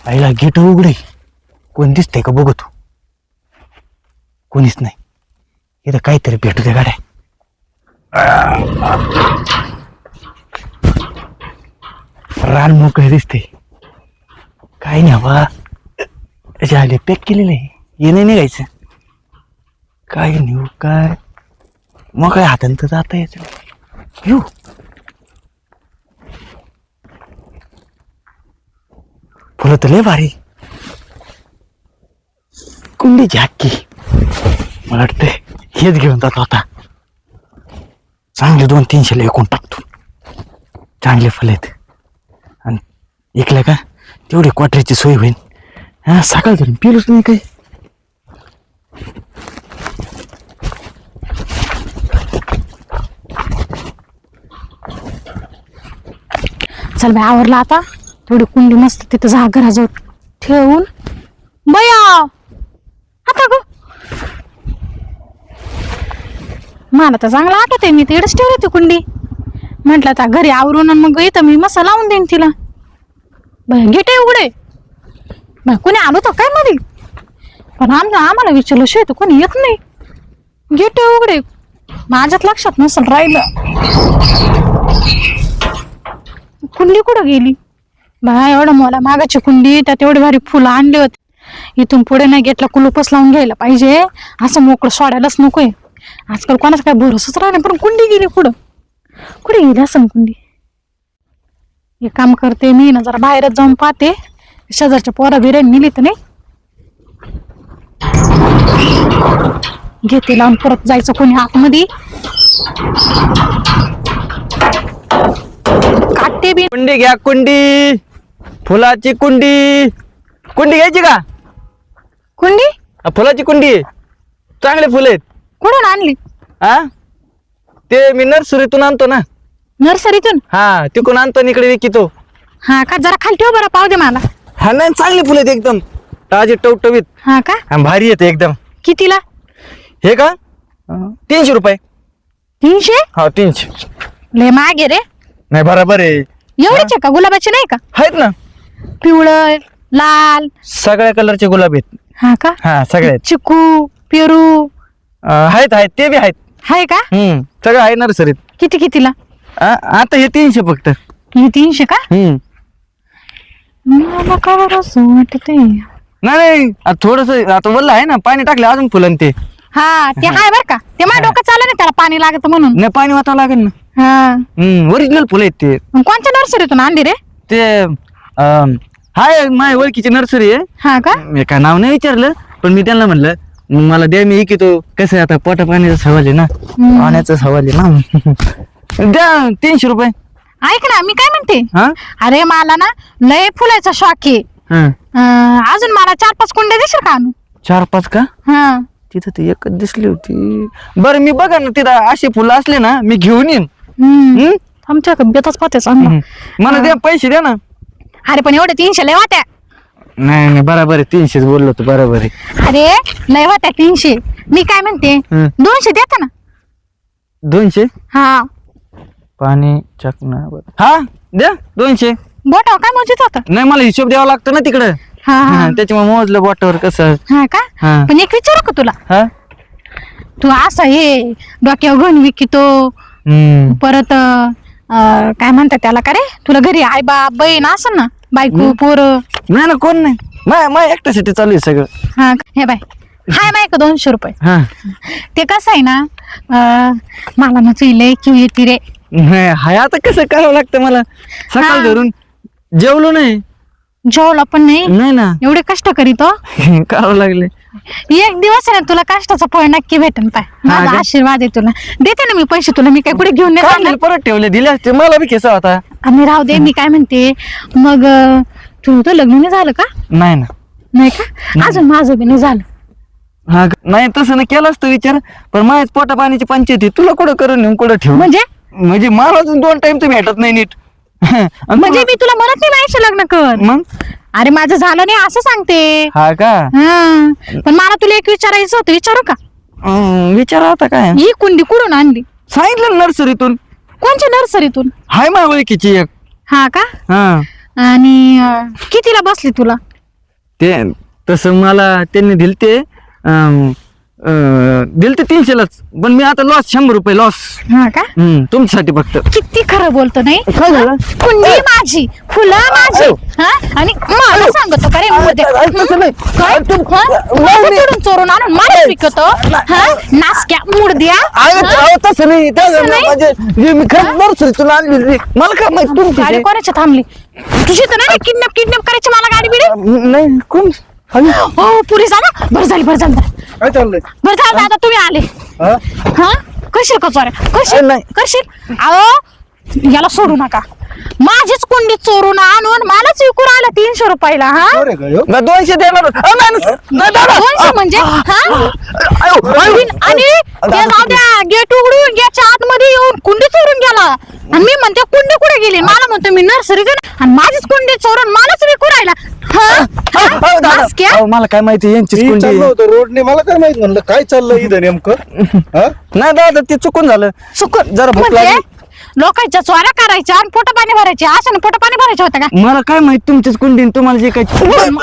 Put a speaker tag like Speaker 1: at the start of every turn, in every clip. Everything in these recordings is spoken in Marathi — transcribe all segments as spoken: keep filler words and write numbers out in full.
Speaker 1: आईला गेट उघडे, कोण दिसतंय का बघतो. कोणीच नाही. इथं काहीतरी भेटू दे गाड्या. रान मोकळे दिसते. काय नाही बा, झाले पॅक केलेले. ये नाही निघायचं. काय नेऊ काय मग काय हातान तर जाता यायचं. येऊ फुलं तर लय भारी. कुंडी झाकी मला वाटतंय हेच घेऊन जातो आता. चांगले दोन तीनशे विकून टाकतो. चांगले फुलं आहेत आणि ऐकलं का तेवढी क्वार्टरची सोय होईल. हा सकाळ धरून पिलोच नाही काही.
Speaker 2: चल बाई आवरला आता. थोडी कुंडी मस्त तिथं जा घराजवळ ठेवून बया आता ग मला तर चांगलं आठवत आहे. मी तर इकडेच ठेवली ती कुंडी. म्हटलं आता घरी आवरून आणि मग इथं मी मसाला लावून देईन तिला. बाय गेटे उघडे. बाय कोणी आलो तर काय मध्ये, पण आमचं आम्हाला विचारलं शिवाय तर कोणी येत नाही. गेटे उघडे. माझ्यात लक्षात नसेल राहिलं. कुंडी कुठं गेली बा. एवढं मला मागाची कुंडी, त्यात एवढी भारी फुलं आणली होती. इथून पुढे नाही गेटला कुलूपच लावून घ्यायला पाहिजे. असं मोकळं सोडायलाच नकोय. आजकाल कोणाचा काय भरोसाच राहिला. पण कुंडी गेली कुठं, कुठे गेली असं कुंडी. हे काम करते मी ना, जरा बाहेरच जाऊन पाहते शेजारच्या पोरा बिऱ्या नेली तर नाही. घेते लावून परत जायचं कोणी आतमध्ये. काटे बी
Speaker 1: कुंडी घ्या कुंडी. फुलाची कुंडी. कुंडी घ्यायची का?
Speaker 2: कुंडी
Speaker 1: हा, फुलाची कुंडी आहे. चांगले फुलं आहेत.
Speaker 2: कुठून आणली?
Speaker 1: हा ते मी नर्सरीतून आणतो ना.
Speaker 2: नर्सरीतून?
Speaker 1: हा तिकडून आणतो आणि इकडे विकितो.
Speaker 2: हा का, जरा खाली ठेव बरं, पाहू दे मला.
Speaker 1: हा नाही चांगले फुलं आहेत एकदम ताजे टवटवीत.
Speaker 2: हा का,
Speaker 1: हा भारी येते एकदम.
Speaker 2: कितीला?
Speaker 1: हे का तीनशे रुपये.
Speaker 2: तीनशे?
Speaker 1: हा तीनशे.
Speaker 2: लय मागे रे.
Speaker 1: नाही बरोबर आहे.
Speaker 2: एवढेच आहे का? गुलाबाचे नाही का?
Speaker 1: आहेत ना
Speaker 2: पिवळं लाल
Speaker 1: सगळ्या कलरचे गुलाब आहेत.
Speaker 2: हा का,
Speaker 1: हा सगळे आहेत.
Speaker 2: चिकू पेरू
Speaker 1: अं, आहेत आहेत ते बी आहेत.
Speaker 2: आहे का?
Speaker 1: हम्म सगळं आहे नर्सरीत.
Speaker 2: किती कितीला?
Speaker 1: आ- आता हे तीनशे फक्त.
Speaker 2: हे तीनशे का?
Speaker 1: हम्म
Speaker 2: मला का बरं असं वाटतंय.
Speaker 1: नाही थोडस आता वल्ल आहे ना, पाणी टाकलं अजून फुलं ते.
Speaker 2: हा ते आहे बर का. ते माझ्या डोक्यात चाललं नाही, त्याला पाणी लागत म्हणून.
Speaker 1: नाही पाणी वाटावं लागेल ना.
Speaker 2: हा
Speaker 1: हम्म ओरिजिनल फुलं आहेत ते.
Speaker 2: मग कोणत्या नर्सरीतून आणली रे?
Speaker 1: ते अं, हाय माझ्या ओळखीची नर्सरी आहे.
Speaker 2: हा का,
Speaker 1: मी काय नाव नाही विचारलं, पण मी त्यांना म्हणलं मग मला द्या, मी इकितो. कसं आहे आता पोटा पाण्याचा सवाल आहे ना, पाण्याचा सवाल आहे ना. द्या तीनशे रुपये.
Speaker 2: ऐक ना मी काय म्हणते.
Speaker 1: हा
Speaker 2: अरे मला ना लय फुलाचा शॉक आहे.
Speaker 1: हा
Speaker 2: अं, अजून मला चार पाच कुंड्या देशील का आणून?
Speaker 1: चार पाच का?
Speaker 2: हा
Speaker 1: तिथं ती एकच दिसली होती. बरं मी बघा ना तिथं अशी फुलं असले ना मी घेऊन येईन.
Speaker 2: हम्म
Speaker 1: हम्म?
Speaker 2: आमच्या बेताच पाहते चांगला.
Speaker 1: मला द्या पैसे द्या ना.
Speaker 2: अरे पण एवढे तीनशे लय वाट्या.
Speaker 1: नाही नाही बरोबर आहे, तीनशेच बोललो होतो बरोबर आहे.
Speaker 2: अरे लय वाट्या तीनशे. मी काय म्हणते,
Speaker 1: हम्म.
Speaker 2: दोनशे देता ना?
Speaker 1: दोनशे
Speaker 2: हा
Speaker 1: पाणी चकना. हा द्या दोनशे.
Speaker 2: बोटावर काय मोजित होत?
Speaker 1: नाही मला हिशोब द्यावा लागतो ना तिकडं.
Speaker 2: हा हा
Speaker 1: हा, त्याच्यामुळे मोजलं बोटावर कसं.
Speaker 2: हा का,
Speaker 1: हा
Speaker 2: पण एक विचारू का तुला?
Speaker 1: हा
Speaker 2: तू असं हे डोक्यावर घेऊन विकितो
Speaker 1: हम्म
Speaker 2: परत अं, काय म्हणतात त्याला का रे, तुला घरी आई बाप बहीण असं ना, बायको पोरं?
Speaker 1: नाही ना कोण नाही, माय माय एकट्यासाठी चालू आहे सगळं.
Speaker 2: हा का? हे बाय हाय माय का दोनशे रुपये.
Speaker 1: हा
Speaker 2: ते कसं आहे ना, अं, मला ना लय किव येते रे.
Speaker 1: नाही हाय आता कसं करावं लागतं मला. सकाळ
Speaker 2: हा.
Speaker 1: धरून जेवलो नाही.
Speaker 2: जेवला पण नाही,
Speaker 1: नाही ना
Speaker 2: एवढे कष्ट करीतो.
Speaker 1: करावं लागले.
Speaker 2: एक दिवस आहे ना तुला कष्टाचं फळ नक्की भेटेल. पाय माझा
Speaker 1: का?
Speaker 2: आशीर्वाद आहे तुला. देते ना मी पैसे तुला. मी काय कुठे घेऊन नाही
Speaker 1: काढले
Speaker 2: जाणार.
Speaker 1: परत ठेवले, दिले असते मला बी खेसा होता.
Speaker 2: आम्ही राहू दे. मी काय म्हणते मग, अं, तुझं लग्न नाही झालं का?
Speaker 1: नाही ना.
Speaker 2: नाही का, अजून माझं बी नाही झालं.
Speaker 1: हा का? नाही तसं ना केलं असतं विचार, पण माझ्याच पोटा पाण्याची पंचायती तुला कुठं करून नेऊन कुठं ठेवू.
Speaker 2: म्हणजे
Speaker 1: म्हणजे मला अजून दोन टाइम तर भेटत नाही नीट. आणि
Speaker 2: म्हणजे
Speaker 1: तुला-
Speaker 2: मी तुला म्हणत नाही माझ्याशी लग्न कर.
Speaker 1: मग
Speaker 2: अरे माझं झालं नाही असं सांगते.
Speaker 1: हा का?
Speaker 2: हा पण मला तुला एक विचारायचं होतं, विचारू का?
Speaker 1: अं, विचारा आता काय.
Speaker 2: ही कुंडी कुठून आणली?
Speaker 1: सांगितलं ना नर्सरीतून.
Speaker 2: कोणच्या नर्सरीतून?
Speaker 1: हाय माझ्या ओळखीची एक.
Speaker 2: हा का,
Speaker 1: हा
Speaker 2: आणि अं, कितीला बसली तुला?
Speaker 1: ते तसं मला त्यांनी दिल ते दिल ते तीनशेलाच, पण मी आता लॉस शंभर रुपये लॉस.
Speaker 2: हा का?
Speaker 1: हम्म तुमच्यासाठी फक्त.
Speaker 2: किती खरं बोलतो नाही.
Speaker 1: काय झालं?
Speaker 2: कुंडी माझी, फुलं माझी, हा आणि मला सांगतो का रे मध्ये
Speaker 1: तसं नाही.
Speaker 2: काय चोरून चोरून आणून मला विकतो, हा नासक्या मुडद्या.
Speaker 1: अहो, तसं नाही. त्या
Speaker 2: तसं नाही?
Speaker 1: म्हणजे हे मी खरंच नर्सरी तुला आणली, मला काय माहित तुमची
Speaker 2: गाडी
Speaker 1: ते.
Speaker 2: कोणाच्या थांबली? तुझी तर नाही किडनॅप किडनॅप करायची मला गाडी बिडी.
Speaker 1: नाही कोण?
Speaker 2: हो पोलीस आला. बरं झाली बरं झालं
Speaker 3: काय चाललंय?
Speaker 2: बरं झालं आता तुम्ही आले.
Speaker 3: हा?
Speaker 2: हा करशील का चोऱ्या? करशील
Speaker 1: नाही.
Speaker 2: करशील? अहो याला सोडू नका. माझीच कुंडी चोरून आणून मलाच विकू राहिला तीनशे रुपयाला. हा
Speaker 3: अरे काय हो?
Speaker 1: ना दोनशे देणार. अहो, नाही, नाही, नाही, दादा.
Speaker 2: दोनशे म्हणजे हा
Speaker 1: अहो, अहो.
Speaker 2: आणि ते जाऊ द्या, गेट उघडून गेटच्या आतमध्ये येऊन कुंडी चोरून गेला. आणि मी म्हणते कुंडी कुठे गेली? मला म्हणतो मी नर्सरी आणि माझीच कुंडी चोरून मलाच विकू राहिला. हा? हा?
Speaker 1: अहो, दादा.
Speaker 2: नासक्या?
Speaker 1: अहो, मला काय माहिती यांचीच
Speaker 3: मी
Speaker 1: कुंडी
Speaker 3: चाललो
Speaker 1: आहे.
Speaker 3: होतो रोडने, मला काय माहित म्हणलं काय चाललंय इथं नेमकं. हा?
Speaker 1: नाही दादा ते चुकून झालं.
Speaker 2: चुकून
Speaker 1: जरा भूक
Speaker 2: म्हणजे
Speaker 1: लागली.
Speaker 2: लोकांच्या चोऱ्या करायच्या आणि पोट पाणी भरायचे, असं पोट पाणी भरायचे होतं का?
Speaker 1: मला काय माहित तुमचीच कुंडी आणि तुम्हाला जे काही.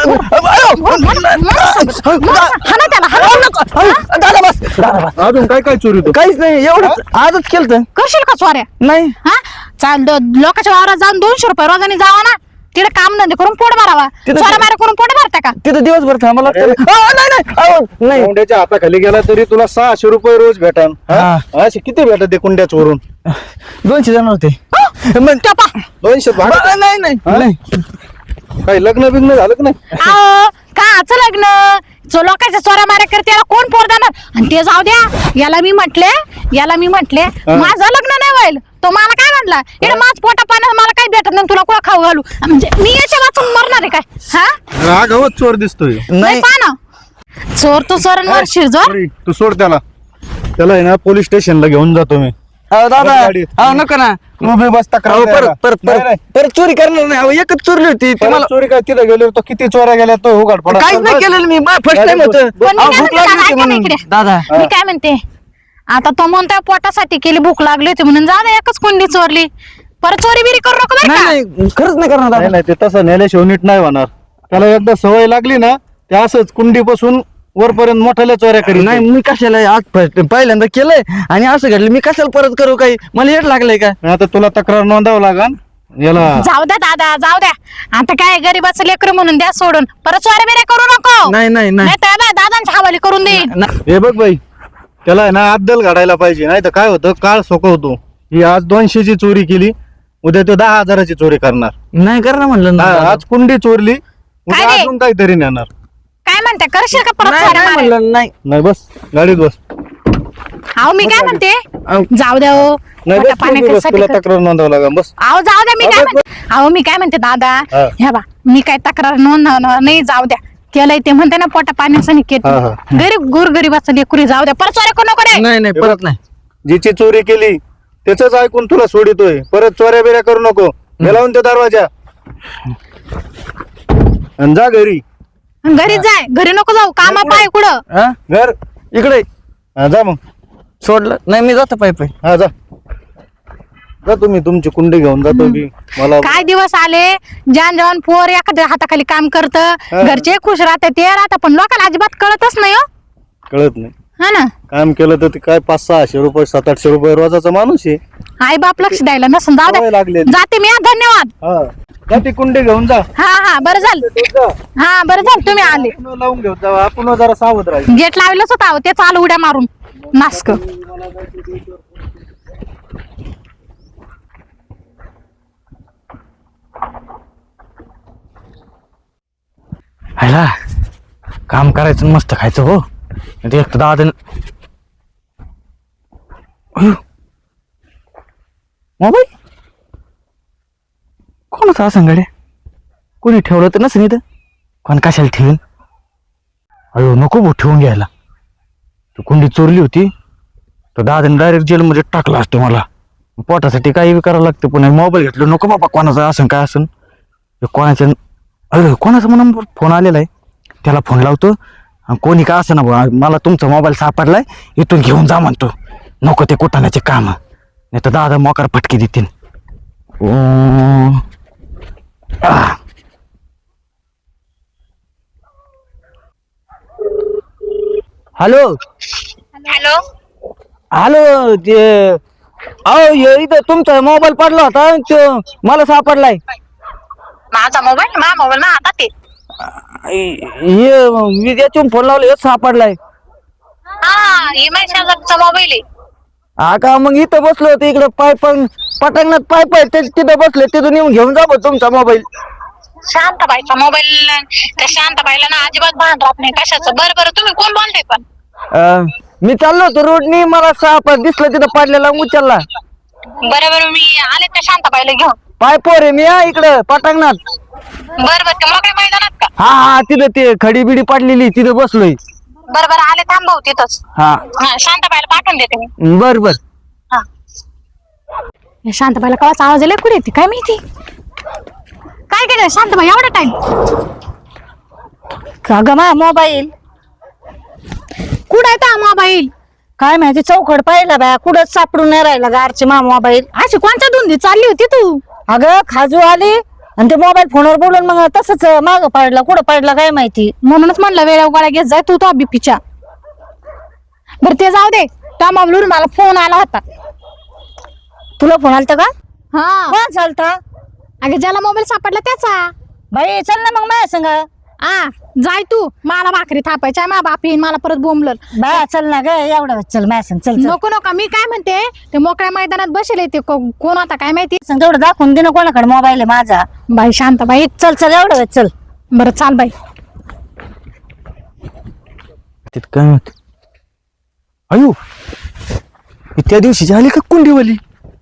Speaker 2: हाना त्याला, हाना.
Speaker 1: दादा बस दादा बस.
Speaker 3: अजून काय काय चोरी होतो?
Speaker 1: काहीच नाही, एवढंच आजच केलं.
Speaker 2: करशील का चोऱ्या?
Speaker 1: नाही
Speaker 2: हा चाल द- लोकांच्या वावरात जाऊन दोनशे रुपये रोजाने जावा ना, तिकडे काम धंदे करून पोट भरावा.
Speaker 1: तिथं-
Speaker 2: चोऱ्या मारा करून पोट भरता का?
Speaker 1: तिथं दिवसभर थांबा लागतं.
Speaker 3: अरे.
Speaker 1: अहो, नाही नाही अहो, नाही
Speaker 3: कुंड्याच्या हाताखाली गेला तरी तुला सहाशे रुपये रोज भेटन.
Speaker 1: हा.
Speaker 3: असे किती भेटत ते कुंड्या चोरून?
Speaker 1: दोनशे जण होते.
Speaker 2: हो?
Speaker 1: मग
Speaker 2: त्या पा.
Speaker 3: दोनशे भाडं?
Speaker 1: बरं, नाही नाही
Speaker 3: हा?
Speaker 1: नाही.
Speaker 3: काही लग्न बिग्न झालं का नाही?
Speaker 2: अहो, काचं लग्न? जो लोकांच्या चोऱ्या माऱ्या करते याला कोण पोर देणार? आणि ते जाऊ द्या, याला मी म्हटले याला मी म्हटले माझं लग्न नाही होईल. तो मला काय म्हणला, इकडे माझ पोटा पाण्यात मला काही भेटत नाही, तुला कुठं खाऊ घालू? म्हणजे मी याच्या वाचून मरणार आहे काय? हा
Speaker 3: राघवच चोर दिसतोय.
Speaker 2: नाही
Speaker 1: नाही
Speaker 2: पहा ना, चोर तो चोरांवर शिरजोर.
Speaker 3: अरे, तू सोड त्याला. त्याला आहे ना पोलीस स्टेशनला घेऊन जातो मी.
Speaker 1: अहो दादा
Speaker 3: बस गाडीत.
Speaker 1: अहो नको ना.
Speaker 3: तू बी बस तक्रार
Speaker 1: अहो
Speaker 3: द्यायला.
Speaker 1: परत परत
Speaker 3: नाही,
Speaker 1: परत
Speaker 3: नाही.
Speaker 1: परत चोरी करणार नाही. अहो एकच चोरली होती ती
Speaker 3: परत
Speaker 1: मला.
Speaker 3: चोरी काय तिथं गेलो तो किती चोऱ्या गेल्या तो उघड पडा.
Speaker 1: काहीच नाही केलेलं मी. फर्स्ट टाइम होतं.
Speaker 2: पण मी
Speaker 1: अहो,
Speaker 2: काय
Speaker 1: भूक
Speaker 2: म्हणते,
Speaker 1: लागली
Speaker 2: दादा,
Speaker 1: होती
Speaker 2: ऐका ना
Speaker 1: म्हणून.
Speaker 2: इकडे.
Speaker 1: दादा
Speaker 2: मी काय म्हणते, आता तो म्हणतोय पोटासाठी केली, भूक लागली होती म्हणून जा एकच कुंडी चोरली. परत चोरी बिरी करू नको बरं
Speaker 1: नाही
Speaker 2: का?
Speaker 1: नाही खरंच नाही करणार
Speaker 3: नाही
Speaker 1: दादा.
Speaker 3: नाही ते तसं नेल्याशिवाय नीट नाही होणार. त्याला एकदा सवय लागली ना ते असंच कुंडीपासून वरपर्यंत मोठ्याल्या चोऱ्या करीत
Speaker 1: नाही मी कशाला आज first- पहिल्यांदा केलंय आणि असं घडलं, मी कशाला परत करू? काही मला येत लागलंय का?
Speaker 3: नाही. आता तुला तक्रार नोंदावं लागन याला.
Speaker 2: जाऊ द्या दादा, जाऊ द्या. आता काय गरीबाचं लेकर म्हणून द्या सोडून. परत चोऱ्या बिऱ्या करू नको.
Speaker 1: नाही नाही नाही
Speaker 2: नाही तर बा, दादांच्या हवाली करून देईन.
Speaker 1: नाही.
Speaker 3: हे बघ बाई, त्याला आहे ना अद्दल घडायला पाहिजे. नाही तर काय होतं, काळ सोकवतो. ही आज दोनशेची चोरी केली, उद्या तो दहा हजाराची चोरी करणार.
Speaker 1: नाही करणार म्हणलं ना
Speaker 3: हा,
Speaker 1: दादा.
Speaker 3: आज कुंडी चोरली, उद्या
Speaker 2: काय रे?
Speaker 3: अजून काहीतरी नेणार.
Speaker 2: काय म्हणते, करशील का परत
Speaker 1: नाही
Speaker 2: चोऱ्या
Speaker 1: नाही
Speaker 2: माऱ्या?
Speaker 1: म्हणलं नाही.
Speaker 3: नाही बस गाडीत बस.
Speaker 2: अहो मी काय म्हणते,
Speaker 1: अहो,
Speaker 2: जाऊ द्या हो.
Speaker 3: नाही
Speaker 2: पोटा
Speaker 3: बस, तू बी बस,
Speaker 2: पाण्यासाठी
Speaker 3: तुला
Speaker 2: कर-
Speaker 3: तक्रार नोंदावं लागेल. बस
Speaker 2: अहो जाऊ द्या, मी काय
Speaker 3: अबे,
Speaker 2: म्हणते, अहो मी काय म्हणते दादा,
Speaker 3: हा.
Speaker 2: ह्या बा मी काय तक्रार नोंदवणार नाही, जाऊ द्या. केलंय ते म्हणते ना पोटा पाण्याचं केत
Speaker 3: हा, हा.
Speaker 2: गरीब गोर गरीबाचं लेकरी, जाऊ द्या. परत चोऱ्या करू नको रे.
Speaker 1: नाही नाही परत नाही.
Speaker 3: जिची चोरी केली त्याच ऐकून तुला सोडितोय. परत चोऱ्या बिऱ्या करू नको. हे लावून ते दरवाजा आणि जा घरी.
Speaker 2: घरी जाय, घरी नको जाऊ, कामा पाय कुठं.
Speaker 1: हा?
Speaker 3: घर
Speaker 1: इकडे
Speaker 3: हा, जा मग.
Speaker 1: सोडलं नाही, मी जातो पाय पाय.
Speaker 3: हा जा जा तुम्ही तुमची कुंडी घेऊन जातो मी. मला
Speaker 2: काय दिवस आले, जान जवान पोर एखाद्या हाताखाली काम करत, घरचे खुश राहते ते राहतात, पण लोकांना अजिबात कळतच नाही हो.
Speaker 3: कळत नाही.
Speaker 2: हा ना,
Speaker 3: काम केलं तर ते काय पाच सहाशे रुपये सात आठशे रुपये रोजाचा माणूस आहे.
Speaker 2: आई बाप लक्ष द्यायला नसून, जाऊ
Speaker 3: सवय
Speaker 2: द्या.
Speaker 3: लागलेली.
Speaker 2: जाते मी, हा, धन्यवाद.
Speaker 3: हा जा ती कुंडी घेऊन जा.
Speaker 2: हा हा बरं झालं,
Speaker 3: जा.
Speaker 2: हा बरं झालं तुम्ही आले.
Speaker 3: आपण लावून घेऊन जा. आपण जरा सावध राहायचं.
Speaker 2: गेट लावलंच होता, ते चालू उड्या मारून नास्क.
Speaker 1: हायला काम करायचं आणि मस्त खायचं हो. ते एक तर दादा मोबाईल कोणाचा असं गाड्या, कोणी ठेवलं तर नसेल इथं. कोण कशाला ठेवीन? अयो नको भाऊ ठेवून घ्यायला. तू कुंडी चोरली होती तर दादाने डायरेक्ट जेलमध्ये टाकला असतो मला. पोटासाठी काही बी करावं लागतं. पुन्हा मोबाईल घेतलं नको बाबा, कोणाचा असं काय असं कोणाच्या. अरे कोणाचा म्हणून फोन आलेला आहे, त्याला फोन लावतो. कोणी का असं ना बुवा, मला तुमचा मोबाईल सापडलाय, इथून घेऊन जा म्हणतो. नको ते कुटाण्याचे काम, नाही तर दादा मोकार फटके देतील. Hello
Speaker 4: hello.
Speaker 1: हॅलो ते अहो हे इथं तुमचा मोबाईल पडला होता तो मला सापडलाय.
Speaker 4: माझा मोबाईल माझा मोबाईल ना आता ते
Speaker 1: हे मी त्याच्यावरून फोन लावला हेच सापडलाय.
Speaker 4: हा इमाई शेजारचा मोबाईल आहे.
Speaker 1: हा का मग इथं बसलो होतो इकडे पाय पण पटांगणात पाय पाय ते तिथं बसले तिथून येऊन घेऊन जा बा तुमचा मोबाईल.
Speaker 4: शांताबाईचा मोबाईल त्या शांताबाईला ना अजिबात भान राहत नाही कशाचं. बरं बरं तुम्ही कोण बोलताय पण?
Speaker 1: अं, मी चाललो होतो रोडनी मला साप दिसलं तिथं पडलेला उचलला.
Speaker 4: बरं बरं मी आले त्या शांताबाईला घेऊन.
Speaker 1: पाय पोर आहे मी हा इकडं पटांगणात.
Speaker 4: बरं बरं ते मोकळ्या मैदानात का?
Speaker 1: हा हा तिथं ते खडी बिडी पडलेली तिथं बसलोय.
Speaker 4: बरं बरं आले थांबव तिथंच.
Speaker 1: हा
Speaker 4: हा शांताबाईला पाठवून देते मी.
Speaker 1: बर बर.
Speaker 4: हा
Speaker 2: या शांताबाईला कवाच आवाज आला कुठे येते काय माहिती. काय केलं शांताबाई एवढा टाइम?
Speaker 5: का ग मा मोबाईल
Speaker 2: कुठं आहे तो मोबाईल?
Speaker 5: काय माहिती चौकड पाहिला बाया कुठंच सापडून नाही राहिला गारचे मा मोबाईल.
Speaker 2: अशी कोणत्या धुंदी चालली होती तू?
Speaker 5: अगं खाजू आली आणि ते मोबाईल फोनवर बोलून मग तसंच माग पडला कुठं पडला काय माहिती.
Speaker 2: म्हणूनच म्हणलं वेळेवर गोळ्या घेत जाय तू तो बीपीच्या. बरं ते जाऊ दे. त्या मोबाईलवरून मला फोन आला होता.
Speaker 5: तुला फोन आलता का?
Speaker 2: हा
Speaker 5: कोण चालता
Speaker 2: अगे ज्याला मोबाईल सापडला त्याचा.
Speaker 5: बाई चल ना मग माझ्या संग.
Speaker 2: आ जाय तू मला भाकरी थापायच्या मा बाप येईन मला परत बोंबल.
Speaker 5: बाया चल ना ग एवढं चल माझ्या संग चल चल
Speaker 2: नको नको मी काय म्हणते ते मोकळ्या मैदानात बसेल ते को- कोण होता काय माहिती.
Speaker 5: संग तेवढं दाखवून दे ना कोणाकडे मोबाईल आहे माझा.
Speaker 2: बाई शांत बाई
Speaker 5: चल चल एवढं वेळ चल.
Speaker 2: बरं चाल बाई.
Speaker 1: तिथं काय होत अयो त्या दिवशी झाली का कुंडीवाली.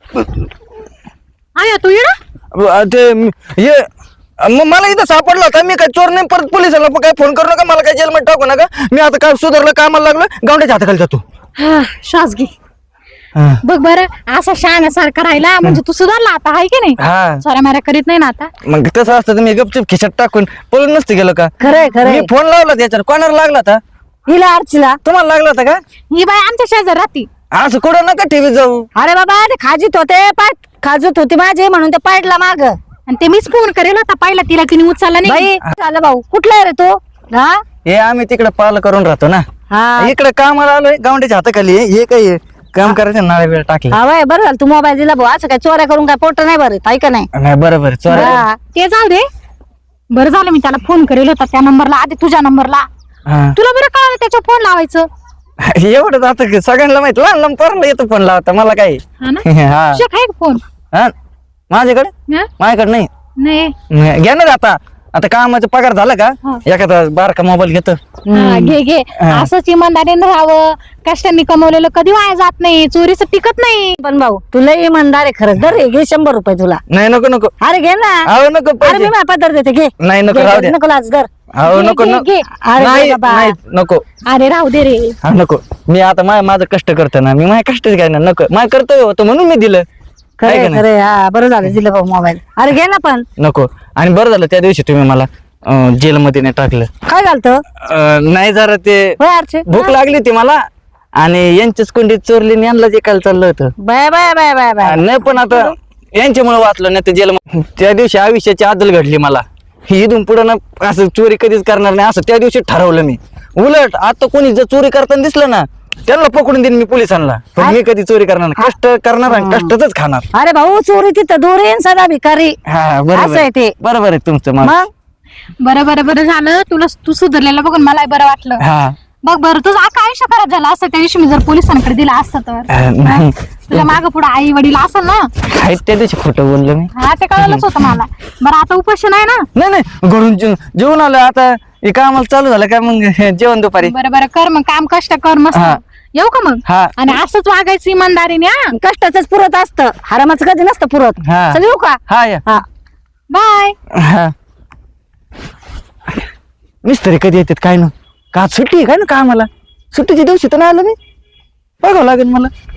Speaker 2: आया तू इडा
Speaker 1: अ, ते म- हे मग मला इथं सापडला होता मी काय चोर नाही परत पोलिसाला काय फोन करू नका मला काय जेलमध्ये टाकू नका मी आता काय सुधारलं कामाला लागलं गावड्याच्या हाताखाली जातो.
Speaker 2: हा श्वास घे.
Speaker 1: हा.
Speaker 2: बघ बरं असा शहाण्यासारखा राहिला म्हणजे तू सुधारला आता आहे की नाही.
Speaker 1: हा
Speaker 2: सॉऱ्या माऱ्या करीत नाही ना आता.
Speaker 1: मग तसं असतं तर मी गपचूप खिशात टाकून पळून नसते गेलो का.
Speaker 5: खरंय
Speaker 1: मी
Speaker 5: खरंय
Speaker 1: फोन लावला त्याच्यावर कोणाला लागला होता
Speaker 5: हिला अर्चीला.
Speaker 1: तुम्हाला लागला होता का.
Speaker 2: ही बाई आमच्या शेजार राहती.
Speaker 1: असं कुठं नका टीव्ही जाऊ.
Speaker 5: अरे बाबा ते खाजीत होते पाय खाजूत होती माझे म्हणून ते पाडला माग.
Speaker 2: आणि ते मीच फोन करेल होता पहिला तिला तिने उचलला नाही.
Speaker 5: बाई झालं भाऊ कुठला आहे रे तू? हा
Speaker 1: हे आम्ही तिकडे पाल करून राहतो ना
Speaker 5: हा
Speaker 1: इकडे कामाला आलोय गावड्याच्या हाताखाली आहे. हे काय आहे? काम करायचं नाळा वेळ टाकला
Speaker 5: हा बाय बरं झालं तू मोबाईल दिला भाऊ असं काय चोऱ्या करून काय पोट नाही बरं आहे का नाही.
Speaker 1: नाही बरोबर चोर
Speaker 5: हा.
Speaker 2: ते जाऊ दे. बरं झालं मी त्याला फोन करेल होता त्या नंबरला आधी तुझ्या नंबरला. तुला बरं कळलं त्याच्या फोन लावायचं.
Speaker 1: एवढं आता की सगळ्यांना माहित लहान लहान पोरांना येतो फोन लावता मला काय.
Speaker 2: हा ना
Speaker 1: हा
Speaker 2: तुझ्या काय फोन?
Speaker 1: हा माझ्याकडे
Speaker 2: हा?
Speaker 1: माझ्याकडे नाही
Speaker 2: नाही
Speaker 1: घ्या ना आता आता कामाचा पगार झाला का
Speaker 2: हा.
Speaker 1: एखादा बारका मोबाईल घेतो.
Speaker 2: हा, घे घे
Speaker 1: हा.
Speaker 2: असंच इमानदारीने राहावं. कष्टांनी कमवलेलं कधी वाया जात नाही. चोरीचं टिकत नाही.
Speaker 5: पण भाऊ तुला इमानदार आहे खरंच दर घे शंभर रुपये तुला.
Speaker 1: नाही नको नको
Speaker 5: अरे घे ना.
Speaker 1: अहो नको
Speaker 5: अरे मी
Speaker 1: पैसे.
Speaker 5: माझ्या पदर देते घे.
Speaker 1: नाही नको
Speaker 5: घे,
Speaker 1: राहू
Speaker 5: घे,
Speaker 1: द्या.
Speaker 5: नको लाज दर.
Speaker 1: अहो
Speaker 2: घे,
Speaker 1: नको
Speaker 2: घे,
Speaker 1: नको
Speaker 2: घे.
Speaker 5: अरे
Speaker 1: नाही
Speaker 5: बाबा.
Speaker 1: नाही, नको
Speaker 2: अरे राहू दे रे.
Speaker 1: हा नको मी आता मा- माझं कष्ट करतो ना मी माझ्या कष्टच काय ना नको माझं कर्तव्य होतं म्हणून मी दिलं. आहे
Speaker 5: खरे
Speaker 1: का नाही?
Speaker 5: खरे हा बरं झालं दिलं भाऊ मोबाईल. अरे घे ना पण
Speaker 1: नको आणि बरं झालं त्या दिवशी तुम्ही मला अं, जेलमध्ये नाही टाकलं.
Speaker 5: काय घालतं
Speaker 1: अं, नाही जरा ते
Speaker 5: होय अर्चे
Speaker 1: भूक लागली होती मला आणि यांच्याच कुंडीत चोरली आणि यांना जे काल चाललं होतं.
Speaker 5: Bye bye bye bye bye
Speaker 1: नाही पण आता यांच्यामुळे वाचलं नाही तर जेल त्या दिवशी आयुष्याची आदल घडली मला ही इथून पुढे ना असं चोरी कधीच करणार नाही असं त्या दिवशी ठरवलं मी. उलट आता कोणी जर चोरी करताना दिसलं ना त्यांना पकडून देईन मी पोलिसांना पण मी कधी चोरी करणार नाही. कष्ट करणार आणि कष्टच खाणार.
Speaker 5: अरे भाऊ चोरी तिथं दूर येईन सदा भिकारी.
Speaker 1: हा बरोबर
Speaker 5: असं आहे ते.
Speaker 1: आहे. बरोबर आहे तुमचं मग.
Speaker 5: मग
Speaker 2: बरं बरं बरं झालं तुला तू सुधारलेलं बघून मला बरं वाटलं.
Speaker 1: हा
Speaker 2: बघ बरं तुझं आका आयुष्य खराब झालं असतं त्या दिवशी मी जर पोलिसांकडे दिला असतं तर.
Speaker 1: अं, नाही
Speaker 2: तुझ्या मागं पुढे आई वडील असेल ना.
Speaker 1: आहेत त्या दिवशी खोटं बोललो मी.
Speaker 2: हा ते कळलंच होतं मला. बरं आता उपोषण आहे ना.
Speaker 1: नाही नाही घरून जे- जेवून आलं आता हे कामाला चालू झालं का मग जेवण दुपारी.
Speaker 2: बरं बरं कर मग काम कष्ट कर मस्त.
Speaker 1: हा.
Speaker 2: येऊ का मग?
Speaker 1: हा.
Speaker 2: आणि असंच वागायचं इमानदारीने. हा
Speaker 5: कष्टाच पुरत असतं हरामाचं कधी नसतं पुरत.
Speaker 1: हा.
Speaker 5: चल येऊ का
Speaker 1: हा या
Speaker 5: हा
Speaker 2: बाय.
Speaker 1: हा मिस्त्री कधी येतात काय ना का आज सुट्टी आहे काय ना कामाला सुट्टीच्या दिवशी तर नाही आलं मी बघावं लागेल मला.